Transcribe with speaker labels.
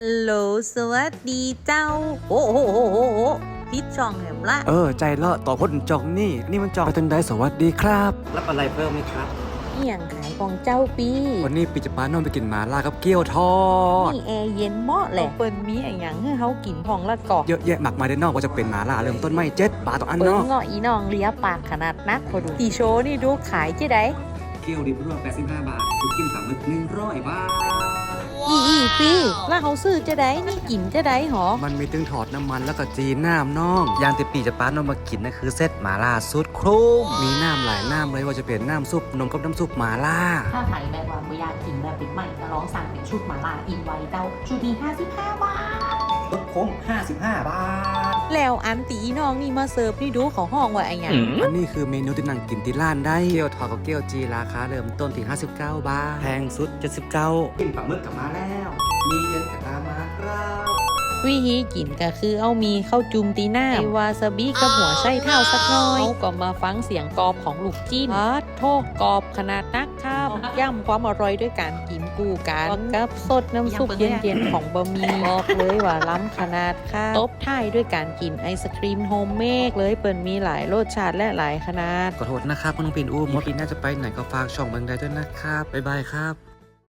Speaker 1: ฮัลโหลสวัสดีเจ้าโอ้โหพิดช่องแหมละ
Speaker 2: ใจเลาะต่อพ้นจองนี่มันจองไปตังใดสวัสดีครับรับอะไรเพิ่มไหมครับ
Speaker 1: เอี่ยงขายของเจ้าปี
Speaker 2: วันนี้ปีจะป้านอนไปกินหมาล่ากับเกี๊ยวทอด
Speaker 1: นี่แอร์เย็นเหมาะแหละเปิ้นมีอะไรอย่างให้เขากินพองละกอก
Speaker 2: เยอะแยะมากมายด้านนอกว่าจะเป็นหมาล่าเริ่มต้นไม่7 บาทต่ออัน
Speaker 1: เปิ้น
Speaker 2: เนาะ
Speaker 1: เงาะอีน้องเลียปากขนาดนักพอดูตีโชว์นี่ดูขายเจ๊ได้
Speaker 2: เกี๊ยวดิบรวม85 บาทถูกกินปลาหมึก100 บาท
Speaker 1: อีปีแล้วเขาซื้อเจ๊ได้นี่กินเจ๊ได้หรอ
Speaker 2: มันมีตึงถอดน้ำมันแล้วก็จีน้ำน้องอย่างที่ปีจะป้านอนมากินนั่นคือเซตหมาล่าสุดคุ้มมีน้ำหลายน้ำเลยว่าจะเป็นน้ำซุปนมกับน้ำซุปหมาล่า
Speaker 3: ถ้าใครแบบว่าไม่อยากกินแบบปิดใหม่ก็ลองสั่งเป็นชุดหมาล่าอินไว้เจ้าชุดนี้55 บาท
Speaker 2: ลดคุ้ม55 บาท
Speaker 1: แล้วอันตีอีน้องนี่มาเสิร์ฟนี่ดูเขาห้องว่าไอ้หยัง
Speaker 2: อันนี้คือเมนูที่นั่งกินที่ร้านได้เกี๊ยวทอดกับเกี๊ยวจีราคาเริ่มต้นที่59 บาทแพงสุด79กินปลาหมึกกลับมาแล้วมีเย็นกับตามมาครับ
Speaker 1: วิธีกินก็คือเอามีข้าวจุ่มตีหน้าไอวาซาบิกับหัวไส้เท้าสักหน่อยเขาก็มาฟังเสียงกรอบของลูกจิ้นโทษกรอบขนาดนักครับย่ำความอร่อยด้วยการกินกู้กันกับสดน้ำซุปเย็นๆของบะหมี่บอกเลยว่าล้ำขนาดค่ะตบท้ายด้วยการกินไอศครีมโฮมเมดเลยเปิดมีหลายรสชาติและหลายขนาด
Speaker 2: ขอโทษนะครับคุณน้องปิ่นอุ้มว่าปีหน้าจะไปไหนก็ฝากช่องเมืองใดด้วยนะครับบ๊ายบายครับ